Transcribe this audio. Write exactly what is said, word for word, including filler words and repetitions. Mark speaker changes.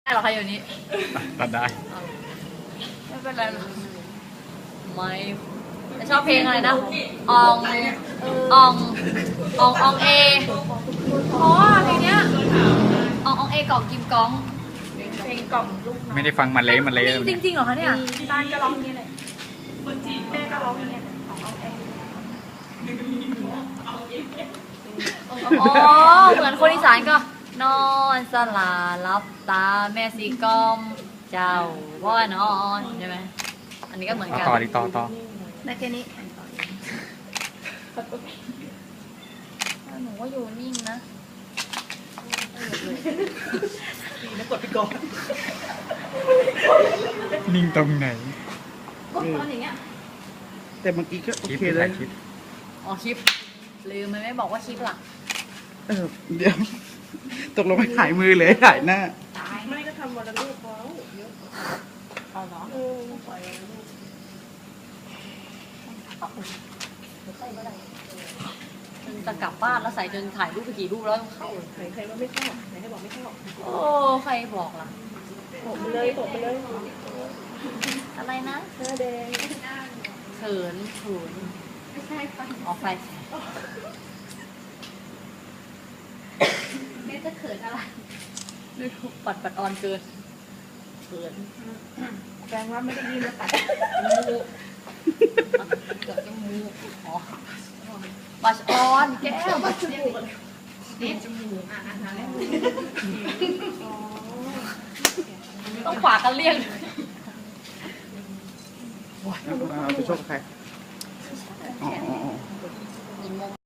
Speaker 1: ได้หรอคะอยู่นี้
Speaker 2: ตัดได้
Speaker 1: ไม่เป็นไรหรอกไม่ชอบเพลงอะไรนะอองอองอองอองเอเพราะว่าเพลงเนี้ยอองอองเอกล่องกิมก้อง
Speaker 3: เพลงกล่อมลูก
Speaker 2: ไม่ได้ฟังมันเละมันเละ
Speaker 1: จริงจริงเหรอคะเนี่ย
Speaker 3: ที่บ้านก็ร้องนี้เลยแม่ก็ร้องนี้ของเอาเอง
Speaker 1: อ๋อเหมือนคนอีสานก็นอนสลาลับตาแม่สีกอมเจ้าว่านอนใช่ไหมอันนี้ก็เหมือนกัน
Speaker 2: ต่อดีต่อต่อ
Speaker 3: ได้แค่นี้
Speaker 1: หนูว่าอยู่นิ่งนะ
Speaker 3: ดีนะกดไปก่อน
Speaker 2: นิ่งตรงไหน
Speaker 3: กดตอนอย่างเงี้ยแต่เมื่อกี้ก็โอเคเลย
Speaker 1: อ๋อคลิปลืมมันไม่บอกว่าคลิปหลัก
Speaker 3: เออเดี๋ยวตกลงไม่ถ่ายมือเลยถ่ายหน้าไม่ก็ทำวันละรูปพอเยอะเอาเนาะเออปล่อยวันละรูป
Speaker 1: จะกลับบ้านแล้วใส่จนถ่ายรูปไปกี่รูปแล้วเข้า
Speaker 3: ไหนใครว่าไม่เข้าไหนใครบอกไม่เข้า
Speaker 1: โอ้ใครบอกล่ะ
Speaker 3: ตกไปเลยตกไปเลย
Speaker 1: อะไรนะ
Speaker 3: หน้าแดง
Speaker 1: เขินเขิน
Speaker 3: ไม่ใช่ไฟ
Speaker 1: ออกไฟ
Speaker 3: แม่จะเขินอะไร
Speaker 1: นี่ปัดปัดออนเกินเขิน
Speaker 3: แปลว่าไม่ได้ยินแล้วปัด
Speaker 1: มูกเกิดจมูกอ๋อปัดออนแก้วปัดจมูก
Speaker 3: นี่จมูกอ่ะอ่ะแล้ว
Speaker 1: ต้องขวากันเลี่ยง
Speaker 3: ไปชกใครอ๋อ